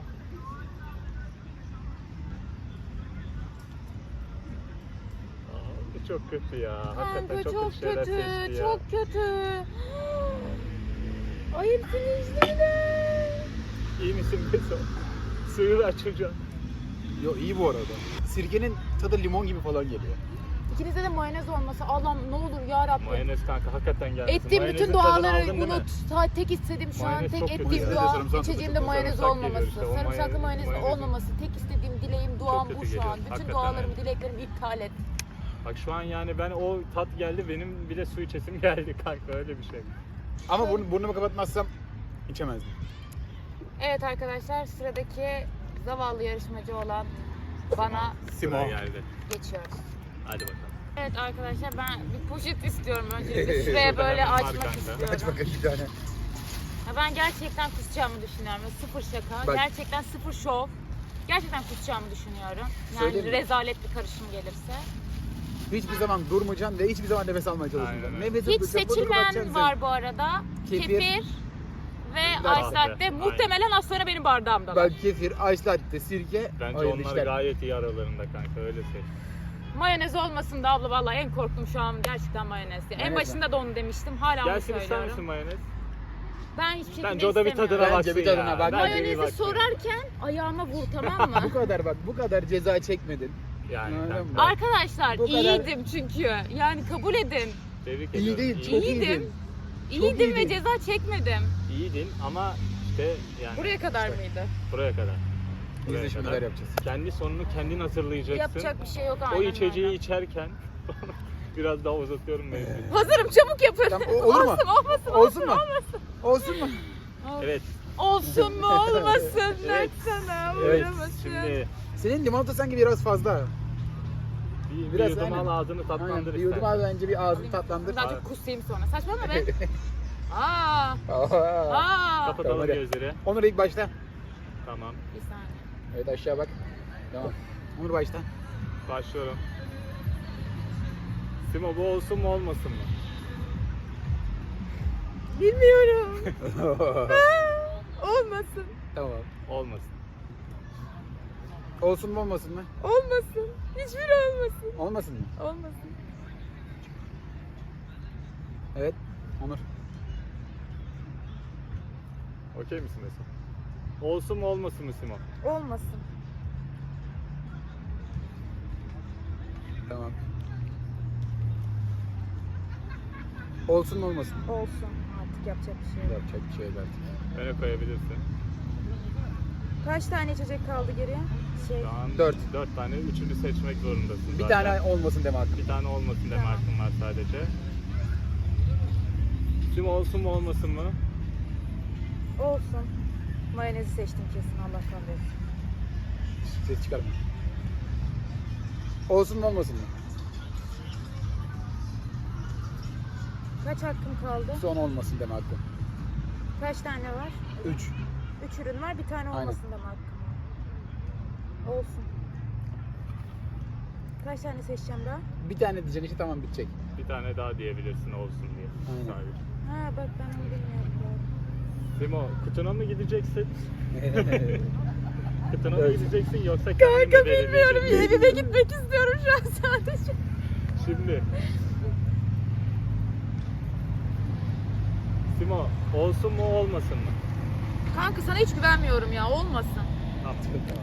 [SPEAKER 3] Bu çok kötü ya. Hakikaten
[SPEAKER 1] Kanka
[SPEAKER 3] çok,
[SPEAKER 1] çok
[SPEAKER 3] kötü şeyler
[SPEAKER 1] kötü.
[SPEAKER 3] seçti ya.
[SPEAKER 1] Çok kötü. Ayıpsın izledim.
[SPEAKER 3] İyi misin Beso? Suyu da açacağım.
[SPEAKER 2] Yo iyi bu arada. Sirkenin tadı limon gibi falan geliyor.
[SPEAKER 1] İkinizde de mayonez olması. Allah'ım ne olur ya Rabbim.
[SPEAKER 3] Mayonez kanka hakikaten gelmesin.
[SPEAKER 1] Ettiğim
[SPEAKER 3] Mayonezin
[SPEAKER 1] bütün
[SPEAKER 3] tadını aldın
[SPEAKER 1] duaları
[SPEAKER 3] değil mi?
[SPEAKER 1] unut. Tek istediğim şu an
[SPEAKER 3] Mayonez
[SPEAKER 1] tek
[SPEAKER 3] çok kötü
[SPEAKER 1] ettiğim
[SPEAKER 3] ya.
[SPEAKER 1] dua
[SPEAKER 2] Sarımsak da
[SPEAKER 1] içeceğimde
[SPEAKER 2] çok
[SPEAKER 1] mayonez
[SPEAKER 3] sarımsak
[SPEAKER 1] olmaması.
[SPEAKER 3] geliyor işte, o
[SPEAKER 1] Sarımsaklı mayonez
[SPEAKER 3] mayonezin-
[SPEAKER 1] olmaması. Tek istediğim dileğim duam
[SPEAKER 3] kötü
[SPEAKER 1] bu şu an.
[SPEAKER 3] geliyor.
[SPEAKER 1] Bütün
[SPEAKER 3] Hakikaten
[SPEAKER 1] dualarım,
[SPEAKER 3] öyle.
[SPEAKER 1] dileklerimi iptal et.
[SPEAKER 3] Bak şu an yani ben o tat geldi benim bile su içesim geldi kanka öyle bir şey.
[SPEAKER 2] Ama burnumu kapatmazsam içemezdim.
[SPEAKER 1] Evet arkadaşlar sıradaki zavallı yarışmacı olan bana
[SPEAKER 2] Simo.
[SPEAKER 3] Sıra geldi.
[SPEAKER 1] geçiyoruz.
[SPEAKER 3] Hadi bakalım.
[SPEAKER 1] Evet arkadaşlar ben bir poşet istiyorum öncelikle. Şuraya
[SPEAKER 3] Şurada
[SPEAKER 1] böyle
[SPEAKER 3] hemen var
[SPEAKER 1] açmak
[SPEAKER 3] kanka.
[SPEAKER 1] istiyorum.
[SPEAKER 2] Aç bakalım bir tane.
[SPEAKER 1] Ya ben gerçekten kusacağımı düşünüyorum. Sıfır şaka.
[SPEAKER 2] Bak.
[SPEAKER 1] Gerçekten sıfır şov. Gerçekten kusacağımı düşünüyorum. Yani
[SPEAKER 2] Söyleyeyim mi?
[SPEAKER 1] rezalet bir karışım gelirse.
[SPEAKER 2] Hiçbir zaman durmayacaksın ve hiçbir zaman nefes almaya çalışmayacaksın.
[SPEAKER 3] Aynen öyle.
[SPEAKER 2] Nefes
[SPEAKER 1] Hiç
[SPEAKER 2] alacaksın, burnunu kapatacaksın
[SPEAKER 1] seçilmeyen
[SPEAKER 2] sen.
[SPEAKER 1] var bu arada.
[SPEAKER 2] Kefir.
[SPEAKER 1] Kefir ve
[SPEAKER 2] Latte.
[SPEAKER 1] ice latte.
[SPEAKER 3] Aynen.
[SPEAKER 1] Muhtemelen az sonra benim bardağımda.
[SPEAKER 2] Ben kefir, ice latte, sirke,
[SPEAKER 3] Bence
[SPEAKER 2] hayırlı
[SPEAKER 3] onlar
[SPEAKER 2] işler.
[SPEAKER 3] gayet iyi aralarında kanka öyle şey.
[SPEAKER 1] Mayonez olmasın da abla vallahi en korktum şu an gerçekten mayonez. En
[SPEAKER 2] Mayonez
[SPEAKER 1] başında da onu demiştim. Hala onu
[SPEAKER 3] Gelsin ister
[SPEAKER 1] söylüyorum.
[SPEAKER 3] misin mayonez?
[SPEAKER 1] Ben hiçbir şekilde
[SPEAKER 3] Bence o da bir
[SPEAKER 1] istemiyorum.
[SPEAKER 3] tadına
[SPEAKER 2] Bence
[SPEAKER 3] baksın
[SPEAKER 2] bir tadına
[SPEAKER 3] ya.
[SPEAKER 2] bak.
[SPEAKER 3] Bence bir
[SPEAKER 1] Mayonezi
[SPEAKER 3] baksın.
[SPEAKER 1] sorarken ayağıma vur tamam mı?
[SPEAKER 2] Bu kadar bak, bu kadar ceza çekmedin.
[SPEAKER 3] Yani
[SPEAKER 2] Aynen
[SPEAKER 3] kanka.
[SPEAKER 2] bu.
[SPEAKER 1] Arkadaşlar
[SPEAKER 2] Bu kadar-
[SPEAKER 1] iyiydim çünkü. Yani kabul edin.
[SPEAKER 3] Tebrik
[SPEAKER 2] İyi
[SPEAKER 3] ediyorum.
[SPEAKER 2] değil, çok
[SPEAKER 1] İyiydim.
[SPEAKER 2] iyiydin.
[SPEAKER 1] İyiydim ve
[SPEAKER 2] iyiydin.
[SPEAKER 1] ceza çekmedim.
[SPEAKER 3] İyiydin ama işte yani
[SPEAKER 1] Buraya kadar mıydı?
[SPEAKER 3] buraya kadar.
[SPEAKER 2] Biz
[SPEAKER 3] Buraya
[SPEAKER 2] de şimdi
[SPEAKER 3] kadar.
[SPEAKER 2] neler yapacağız.
[SPEAKER 3] Kendi sonunu kendin hazırlayacaksın.
[SPEAKER 1] Yapacak bir şey yok aynen
[SPEAKER 3] O içeceği
[SPEAKER 1] öyle.
[SPEAKER 3] içerken biraz daha uzatıyorum mevzuyu.
[SPEAKER 1] Hazırım çabuk yapın.
[SPEAKER 2] Tamam, olur mu?
[SPEAKER 1] Olsun olmasın
[SPEAKER 2] Olsun mu? Olsun mu?
[SPEAKER 3] Evet.
[SPEAKER 1] Olsun mu olmasın
[SPEAKER 3] Evet.
[SPEAKER 1] sana
[SPEAKER 2] Evet,
[SPEAKER 1] uğramasın.
[SPEAKER 3] Şimdi
[SPEAKER 2] Senin limonata sanki biraz fazla.
[SPEAKER 3] bir
[SPEAKER 2] Biraz
[SPEAKER 3] yudum
[SPEAKER 2] aynen.
[SPEAKER 3] al ağzını
[SPEAKER 2] Aynen,
[SPEAKER 3] tatlandır
[SPEAKER 2] bir yudum
[SPEAKER 3] istersen.
[SPEAKER 2] al bence bir ağzını tatlandır.
[SPEAKER 1] Ben çok kusayım sonra. Saçmalama be. Aa.
[SPEAKER 2] Aa.
[SPEAKER 1] Aa.
[SPEAKER 3] Kapatalım
[SPEAKER 2] Tamam, hadi.
[SPEAKER 3] gözleri.
[SPEAKER 2] Onur ilk başta.
[SPEAKER 3] Tamam.
[SPEAKER 1] Bir saniye.
[SPEAKER 2] Evet aşağı bak. Tamam. Onur başta.
[SPEAKER 3] Başlıyorum. Simo bu olsun mu olmasın mı?
[SPEAKER 1] Bilmiyorum. Olmasın.
[SPEAKER 2] Tamam.
[SPEAKER 3] Olmasın.
[SPEAKER 2] Olsun mu olmasın mı?
[SPEAKER 1] Olmasın. Hiçbiri olmasın.
[SPEAKER 2] Olmasın mı?
[SPEAKER 1] Olmasın.
[SPEAKER 2] Evet. Onur.
[SPEAKER 3] Okey misin Mesut? Olsun mu olmasın mı Simo?
[SPEAKER 1] Olmasın.
[SPEAKER 2] Tamam. Olsun mu olmasın mı?
[SPEAKER 1] Olsun. Artık yapacak bir şey yok.
[SPEAKER 2] Yapacak bir şey yok artık.
[SPEAKER 3] Öne koyabilirsin.
[SPEAKER 1] Kaç tane içecek kaldı geriye?
[SPEAKER 3] Şu an
[SPEAKER 2] Dört.
[SPEAKER 3] 4 tane. Üçünü seçmek zorundasın
[SPEAKER 2] Bir
[SPEAKER 3] zaten.
[SPEAKER 2] tane olmasın deme hakkım.
[SPEAKER 3] Bir tane olmasın deme
[SPEAKER 1] Tamam.
[SPEAKER 3] hakkın var sadece. Simo olsun mu olmasın mı?
[SPEAKER 1] Olsun. Mayonezi seçtim kesin Allah kahretsin.
[SPEAKER 2] Ses çıkarma. Olsun mu olmasın mı?
[SPEAKER 1] Kaç hakkım kaldı?
[SPEAKER 2] Son olmasın deme hakkım.
[SPEAKER 1] Kaç tane var?
[SPEAKER 2] 3.
[SPEAKER 1] 3 ürün var. Bir tane
[SPEAKER 2] Aynen.
[SPEAKER 1] olmasın deme hakkım var. Olsun. Kaç tane seçeceğim daha?
[SPEAKER 2] Bir tane diyeceksin işte tamam bitecek.
[SPEAKER 3] Bir tane daha diyebilirsin olsun diye.
[SPEAKER 2] Aynen.
[SPEAKER 3] Sadece.
[SPEAKER 1] Ha bak ben onu bilmiyorum.
[SPEAKER 3] Simo kutuna mı gideceksin? Kutuna mı
[SPEAKER 2] Evet.
[SPEAKER 3] gideceksin yoksa kendin mi belirleyeceksin?
[SPEAKER 1] Evime gitmek istiyorum şu an sadece.
[SPEAKER 3] Şimdi. Simo olsun mu olmasın mı?
[SPEAKER 1] Kanka sana hiç güvenmiyorum ya. Olmasın.
[SPEAKER 3] Tamam.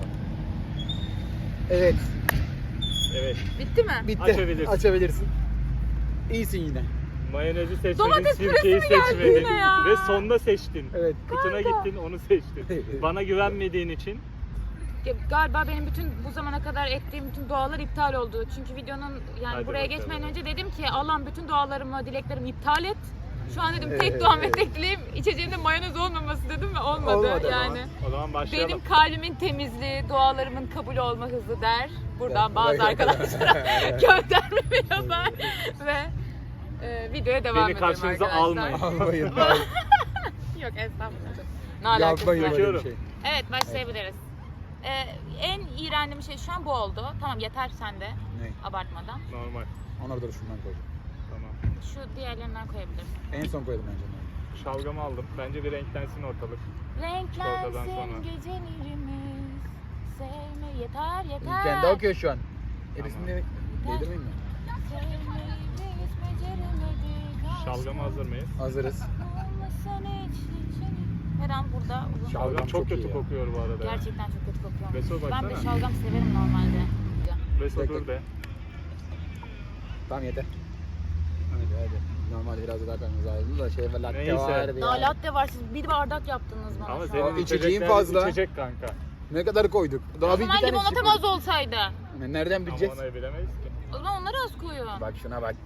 [SPEAKER 2] Evet.
[SPEAKER 3] Evet.
[SPEAKER 1] Bitti mi?
[SPEAKER 2] Bitti.
[SPEAKER 3] Açabilirsin.
[SPEAKER 2] Açabilirsin. İyisin yine.
[SPEAKER 3] Mayonezi seçmedin,
[SPEAKER 1] Domates
[SPEAKER 3] sirkeyi
[SPEAKER 1] püresi mi geldi
[SPEAKER 3] seçmedin
[SPEAKER 1] yine ya?
[SPEAKER 3] ve sonda seçtin.
[SPEAKER 2] Evet.
[SPEAKER 3] Kutuna gittin, onu seçtin. Bana güvenmediğin için
[SPEAKER 1] Galiba benim bütün bu zamana kadar ettiğim bütün dualar iptal oldu. Çünkü videonun yani
[SPEAKER 3] Hadi
[SPEAKER 1] buraya
[SPEAKER 3] bakalım.
[SPEAKER 1] geçmeden önce dedim ki Allah'ım bütün dualarımı, dileklerimi iptal et. Şu an dedim tek
[SPEAKER 2] Evet.
[SPEAKER 1] duam ve tek dileğim içeceğimde mayonez olmaması dedim ve olmadı,
[SPEAKER 2] Olmadı
[SPEAKER 1] yani.
[SPEAKER 3] o zaman başlayalım.
[SPEAKER 1] Benim kalbimin temizliği, dualarımın kabul olma hızı der. Buradan
[SPEAKER 2] Evet.
[SPEAKER 1] bazı arkadaşlara göndermemi yapar ve videoya devam
[SPEAKER 3] Beni
[SPEAKER 1] edelim
[SPEAKER 3] karşınıza
[SPEAKER 1] arkadaşlar.
[SPEAKER 3] almayın.
[SPEAKER 2] Almayın.
[SPEAKER 1] Yok estağfurullah. Ne alakası
[SPEAKER 2] Yapmayın
[SPEAKER 1] var?
[SPEAKER 2] öyle bir
[SPEAKER 3] Bakıyorum.
[SPEAKER 2] şey.
[SPEAKER 1] Evet başlayabiliriz. En iğrendiğim şey şu an bu oldu. Tamam yeter sen de
[SPEAKER 2] Ne?
[SPEAKER 1] abartmadan.
[SPEAKER 3] Normal.
[SPEAKER 2] Onları da şundan koydum.
[SPEAKER 3] Tamam.
[SPEAKER 1] Şu diğerlerinden koyabilirim.
[SPEAKER 2] En son koydum bence.
[SPEAKER 3] Şalgamı aldım. Bence bir renklensin ortalık. Çikolatadan
[SPEAKER 1] Renklensin
[SPEAKER 3] sonra.
[SPEAKER 1] gecelerimiz. Sevme yeter yeter.
[SPEAKER 2] Kendi okuyor şu an.
[SPEAKER 3] Tamam.
[SPEAKER 2] Erisini değdirmeyeyim mi?
[SPEAKER 1] Sevmeyi biz beceremedik.
[SPEAKER 3] Şalgamı hazır mıyız?
[SPEAKER 2] Hazırız.
[SPEAKER 1] Olmasan hiç her an burada uzun.
[SPEAKER 2] Şalgam
[SPEAKER 3] Şalgam
[SPEAKER 2] çok
[SPEAKER 3] çok kötü
[SPEAKER 2] iyi ya.
[SPEAKER 3] kokuyor bu arada. ya.
[SPEAKER 1] Gerçekten çok kötü kokuyor.
[SPEAKER 3] Beso
[SPEAKER 1] Ben de
[SPEAKER 3] baksana.
[SPEAKER 1] şalgam severim normalde.
[SPEAKER 3] Beso
[SPEAKER 2] Tek
[SPEAKER 3] dur
[SPEAKER 2] tek.
[SPEAKER 3] de.
[SPEAKER 2] Tamam yeter. Hadi. Normalde biraz daha kaynağı ayrıldı da şey var latte
[SPEAKER 3] Neyse.
[SPEAKER 2] vardı
[SPEAKER 1] Daha
[SPEAKER 2] ya.
[SPEAKER 1] latte var siz bir bardak yaptınız bana
[SPEAKER 3] Ama
[SPEAKER 1] şu
[SPEAKER 3] senin
[SPEAKER 1] an.
[SPEAKER 2] içeceğin
[SPEAKER 3] içecekler
[SPEAKER 2] fazla.
[SPEAKER 3] içecek kanka.
[SPEAKER 2] Ne kadar koyduk? Daha
[SPEAKER 1] O
[SPEAKER 2] bir
[SPEAKER 1] zaman
[SPEAKER 2] iki tane
[SPEAKER 1] limonatam az olsaydı.
[SPEAKER 2] Nereden
[SPEAKER 3] Ama
[SPEAKER 2] bileceğiz?
[SPEAKER 3] onu bilemeyiz ki.
[SPEAKER 1] O zaman onları az koyun.
[SPEAKER 2] Bak şuna bak.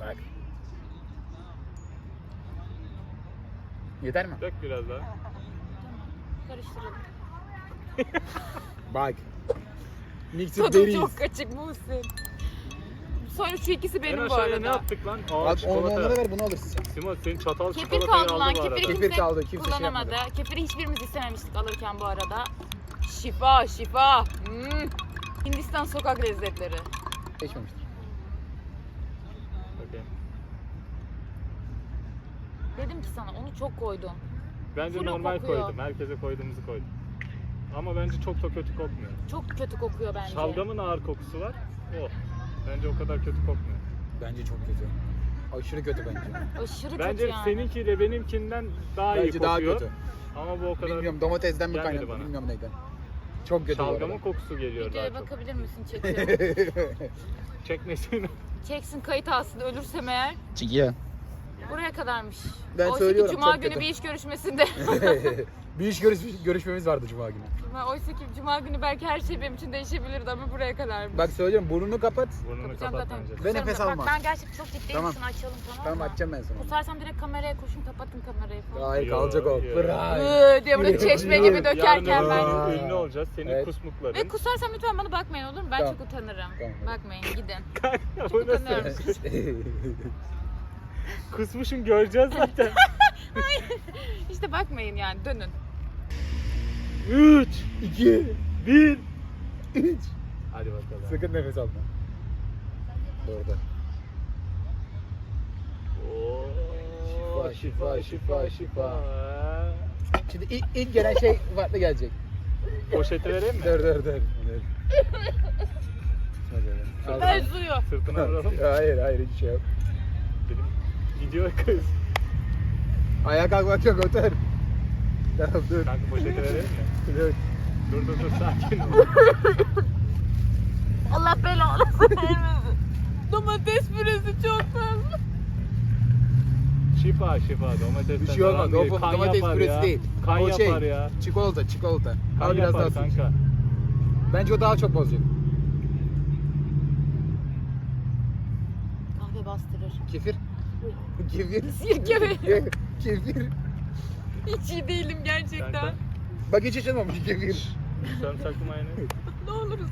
[SPEAKER 2] Yeter mi?
[SPEAKER 3] Dök biraz daha.
[SPEAKER 1] Karıştıralım.
[SPEAKER 2] Bak. Mixed
[SPEAKER 1] Tadım
[SPEAKER 2] berries.
[SPEAKER 1] çok açık Muhsin. Sonra şu ikisi
[SPEAKER 3] En
[SPEAKER 1] benim bu
[SPEAKER 3] aşağıya ne
[SPEAKER 1] arada.
[SPEAKER 3] attık lan?
[SPEAKER 2] Bak onları
[SPEAKER 3] çikolata.
[SPEAKER 2] ver bunu alırsın sen.
[SPEAKER 3] Simo senin çatal
[SPEAKER 1] Kefir
[SPEAKER 3] çikolatayı
[SPEAKER 1] kaldı
[SPEAKER 3] aldı
[SPEAKER 1] lan.
[SPEAKER 3] bu arada.
[SPEAKER 1] Kefiri
[SPEAKER 2] Kefir
[SPEAKER 1] kimse
[SPEAKER 2] kaldı, kimse şey
[SPEAKER 1] kullanamadı.
[SPEAKER 2] yapmadı.
[SPEAKER 1] Kefiri hiçbirimiz istememiştik alırken bu arada. Şifa şifa. Hindistan sokak lezzetleri.
[SPEAKER 2] Geçmemiştir.
[SPEAKER 3] Bakayım.
[SPEAKER 1] Dedim ki sana onu çok koydun.
[SPEAKER 3] Bence
[SPEAKER 1] Full
[SPEAKER 3] normal
[SPEAKER 1] kokuyor.
[SPEAKER 3] koydum. Herkese koyduğumuzu koydum. Ama bence çok da kötü kokmuyor.
[SPEAKER 1] Çok kötü kokuyor bence.
[SPEAKER 3] Şalgamın ağır kokusu var. O. Bence o kadar kötü kokmuyor.
[SPEAKER 2] Bence çok kötü. Aşırı kötü bence.
[SPEAKER 1] Aşırı
[SPEAKER 3] Bence
[SPEAKER 1] kötü yani.
[SPEAKER 3] seninki de benimkinden daha iyi
[SPEAKER 2] Bence daha
[SPEAKER 3] kokuyor.
[SPEAKER 2] kötü.
[SPEAKER 3] Ama bu o kadar
[SPEAKER 2] Bilmiyorum domatesden mi
[SPEAKER 3] Gelmedi
[SPEAKER 2] kaynaklı
[SPEAKER 3] bana.
[SPEAKER 2] bilmiyorum neyden. Çok kötü bu
[SPEAKER 3] şalgamın
[SPEAKER 2] arada.
[SPEAKER 3] kokusu geliyor daha
[SPEAKER 1] Videoya
[SPEAKER 3] çok.
[SPEAKER 1] bakabilir misin çekiyor.
[SPEAKER 3] Çekmesin.
[SPEAKER 1] Çeksin kayıt alsın ölürsem eğer.
[SPEAKER 2] Çiğ.
[SPEAKER 1] Buraya kadarmış.
[SPEAKER 2] Ben
[SPEAKER 1] Oysa
[SPEAKER 2] söylüyorum,
[SPEAKER 1] ki Cuma
[SPEAKER 2] çok
[SPEAKER 1] günü
[SPEAKER 2] kötü.
[SPEAKER 1] bir iş görüşmesinde.
[SPEAKER 2] Bir iş görüşmemiz vardı Cuma günü.
[SPEAKER 1] Oysa ki Cuma günü belki her şey benim için değişebilirdi ama buraya kadarmış.
[SPEAKER 2] Bak söylüyorum burnunu kapat.
[SPEAKER 3] Burnunu
[SPEAKER 1] Kapatacağım
[SPEAKER 3] kapat
[SPEAKER 1] zaten.
[SPEAKER 3] bence.
[SPEAKER 2] Ve
[SPEAKER 1] Kusarım
[SPEAKER 2] nefes
[SPEAKER 1] da. Bak
[SPEAKER 2] alma.
[SPEAKER 1] ben gerçekten çok ciddiyim.
[SPEAKER 2] Tamam.
[SPEAKER 1] Şunu açalım tamam
[SPEAKER 2] Tamam
[SPEAKER 1] mı?
[SPEAKER 2] açacağım ben sana.
[SPEAKER 1] Kusarsam direkt kameraya koşun kapatın kamerayı falan.
[SPEAKER 2] Hayır
[SPEAKER 3] Yo,
[SPEAKER 2] kalacak o.
[SPEAKER 3] yo.
[SPEAKER 2] Bırak.
[SPEAKER 1] Diye böyle çeşme
[SPEAKER 2] Yarın-
[SPEAKER 1] gibi dökerken
[SPEAKER 3] Yarın
[SPEAKER 1] ben.
[SPEAKER 2] Aa.
[SPEAKER 3] ünlü olacağız. Senin
[SPEAKER 2] Evet.
[SPEAKER 3] kusmukların.
[SPEAKER 1] Ve kusarsam lütfen bana bakmayın olur mu? Ben
[SPEAKER 2] Tamam.
[SPEAKER 1] çok utanırım.
[SPEAKER 2] Tamam.
[SPEAKER 1] Bakmayın gidin.
[SPEAKER 3] Bu
[SPEAKER 1] Çok
[SPEAKER 3] nasıl?
[SPEAKER 1] utanıyorum.
[SPEAKER 3] Kusmuşum göreceğiz zaten.
[SPEAKER 1] İşte bakmayın yani dönün.
[SPEAKER 3] 3,
[SPEAKER 2] 2,
[SPEAKER 3] 1.
[SPEAKER 2] 3.
[SPEAKER 3] Hadi bakalım.
[SPEAKER 2] Sakın nefes alma. Orada.
[SPEAKER 3] Oo,
[SPEAKER 2] Şifa, şifa, şifa. Şimdi ilk gelen şey farklı gelecek.
[SPEAKER 3] Poşeti vereyim mi?
[SPEAKER 2] Dur. Hadi.
[SPEAKER 1] Ben suyu.
[SPEAKER 3] Sırtına vuralım.
[SPEAKER 2] Hayır hiç şey yok.
[SPEAKER 3] Dedim gidiyor kız.
[SPEAKER 2] Ayağa kalkmak yok otur. Tamam dur.
[SPEAKER 3] Kanka poşeti vereyim mi?
[SPEAKER 2] Dur.
[SPEAKER 3] Dur sakin ol.
[SPEAKER 1] Allah belanı vermesin. Domates püresi çok fazla.
[SPEAKER 3] Şifa domatesten.
[SPEAKER 2] Bir şey olmaz.
[SPEAKER 3] falan
[SPEAKER 2] O
[SPEAKER 3] kan
[SPEAKER 2] domates
[SPEAKER 3] yapar
[SPEAKER 2] püresi
[SPEAKER 3] ya.
[SPEAKER 2] değil.
[SPEAKER 3] Kan
[SPEAKER 2] O
[SPEAKER 3] yapar ya.
[SPEAKER 2] Çikolata.
[SPEAKER 3] Kan
[SPEAKER 2] Al biraz daha
[SPEAKER 3] yapar
[SPEAKER 2] su.
[SPEAKER 3] kanka.
[SPEAKER 2] Bence o daha çok bozacak.
[SPEAKER 1] Kahve bastırır.
[SPEAKER 2] Kefir. Kefir.
[SPEAKER 1] Sirke mi?
[SPEAKER 2] Kefir.
[SPEAKER 1] Hiç iyi değilim gerçekten.
[SPEAKER 3] Kanka.
[SPEAKER 2] Bak hiç açılmamış kefir.
[SPEAKER 3] Sarımsaklı mayonez.
[SPEAKER 1] Ne oluruz.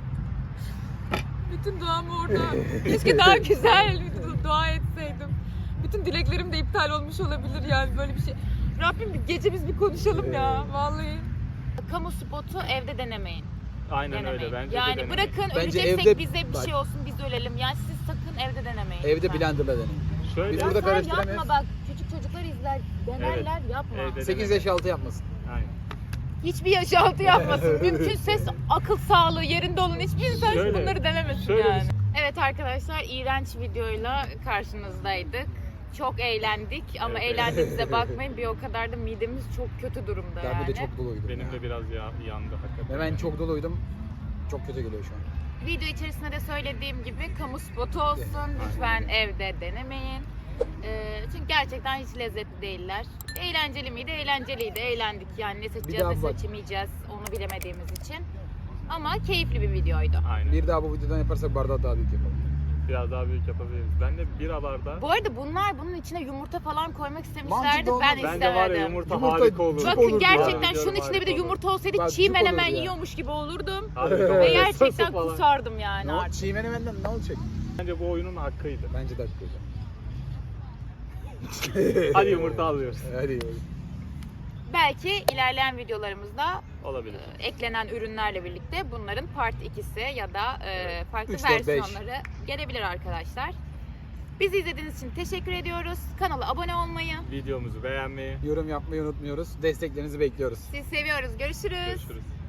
[SPEAKER 1] Bütün duam orada. Keşke daha güzel bir dua etseydim. Bütün dileklerim de iptal olmuş olabilir yani böyle bir şey. Rabbim bir gece biz bir konuşalım ya vallahi. Kamu spotu evde denemeyin.
[SPEAKER 3] Aynen
[SPEAKER 1] Denemeyin.
[SPEAKER 3] öyle bence
[SPEAKER 1] yani
[SPEAKER 3] de denemeyin.
[SPEAKER 1] bırakın
[SPEAKER 2] Bence
[SPEAKER 1] öleceksek
[SPEAKER 2] evde-
[SPEAKER 1] bize bir
[SPEAKER 2] bak.
[SPEAKER 1] şey olsun biz ölelim. Yani siz sakın evde denemeyin.
[SPEAKER 2] Evde
[SPEAKER 1] lütfen.
[SPEAKER 2] blenderla deneyin.
[SPEAKER 3] Şöyle
[SPEAKER 2] Biz
[SPEAKER 1] Ya
[SPEAKER 2] burada
[SPEAKER 1] sen
[SPEAKER 2] karıştıramıyoruz.
[SPEAKER 1] yapma bak küçük çocuklar izler denerler yapma.
[SPEAKER 3] Evde
[SPEAKER 2] 8 yaş altı yapmasın.
[SPEAKER 3] Aynen.
[SPEAKER 1] Hiçbir yaş altı yapmasın. Mümkün ses akıl sağlığı yerinde olan hiçbir insan
[SPEAKER 3] Şöyle-
[SPEAKER 1] bunları denemesin
[SPEAKER 3] şöyle
[SPEAKER 1] yani. Evet arkadaşlar iğrenç videoyla karşınızdaydık. Çok eğlendik ama
[SPEAKER 3] Evet.
[SPEAKER 1] eğlendiğimize bakmayın bir o kadar da midemiz çok kötü durumda
[SPEAKER 2] Ben
[SPEAKER 1] yani.
[SPEAKER 2] bir de çok doluydum.
[SPEAKER 3] Benim
[SPEAKER 2] ya.
[SPEAKER 3] de biraz yandı hakikaten.
[SPEAKER 2] Ve ben çok doluydum. Çok kötü geliyor şu an.
[SPEAKER 1] Video içerisinde de söylediğim gibi kamu spotu olsun. Lütfen evde denemeyin. Çünkü gerçekten hiç lezzetli değiller. Eğlenceli miydi? Eğlenceliydi. Eğlendik. Yani ne seçeceğiz
[SPEAKER 2] daha
[SPEAKER 1] ne
[SPEAKER 2] bak.
[SPEAKER 1] seçemeyeceğiz onu bilemediğimiz için. Ama keyifli bir videoydu.
[SPEAKER 3] Aynen.
[SPEAKER 2] Bir daha bu videodan yaparsak bardağı daha büyük yapalım.
[SPEAKER 3] Biraz daha büyük yapabiliriz. Ben de bira bardağı.
[SPEAKER 1] Bu arada bunun içine yumurta falan koymak
[SPEAKER 2] Mantıklı
[SPEAKER 1] istemişlerdi.
[SPEAKER 2] olmaz.
[SPEAKER 1] Ben
[SPEAKER 3] Bence var ya
[SPEAKER 1] istemedim.
[SPEAKER 3] yumurta
[SPEAKER 2] Yumurta
[SPEAKER 3] harika olur.
[SPEAKER 2] cuk
[SPEAKER 1] Bakın
[SPEAKER 2] olurdu
[SPEAKER 1] gerçekten
[SPEAKER 3] ya.
[SPEAKER 1] şunun içinde bir de yumurta olsaydı
[SPEAKER 2] Bak,
[SPEAKER 1] çiğ
[SPEAKER 2] cuk
[SPEAKER 1] menemen
[SPEAKER 2] olurdu ya.
[SPEAKER 1] yiyormuş gibi olurdum.
[SPEAKER 3] Harika
[SPEAKER 1] Ve
[SPEAKER 3] olur.
[SPEAKER 1] gerçekten
[SPEAKER 3] Sosu falan.
[SPEAKER 1] kusardım yani
[SPEAKER 2] Ne
[SPEAKER 1] artık.
[SPEAKER 2] Çiğ menemenden ne olacak?
[SPEAKER 3] Bence bu oyunun hakkıydı.
[SPEAKER 2] Bence de haklı.
[SPEAKER 3] Hadi yumurta alıyoruz.
[SPEAKER 2] Hadi.
[SPEAKER 1] Belki ilerleyen videolarımızda
[SPEAKER 3] Olabilir.
[SPEAKER 1] eklenen ürünlerle birlikte bunların part 2'si ya da farklı
[SPEAKER 2] 3, 4, 5.
[SPEAKER 1] versiyonları gelebilir arkadaşlar. Bizi izlediğiniz için teşekkür ediyoruz. Kanala abone olmayı,
[SPEAKER 3] Videomuzu beğenmeyi.
[SPEAKER 2] Yorum yapmayı unutmuyoruz. Desteklerinizi bekliyoruz.
[SPEAKER 1] sizi seviyoruz. Görüşürüz.
[SPEAKER 3] Görüşürüz.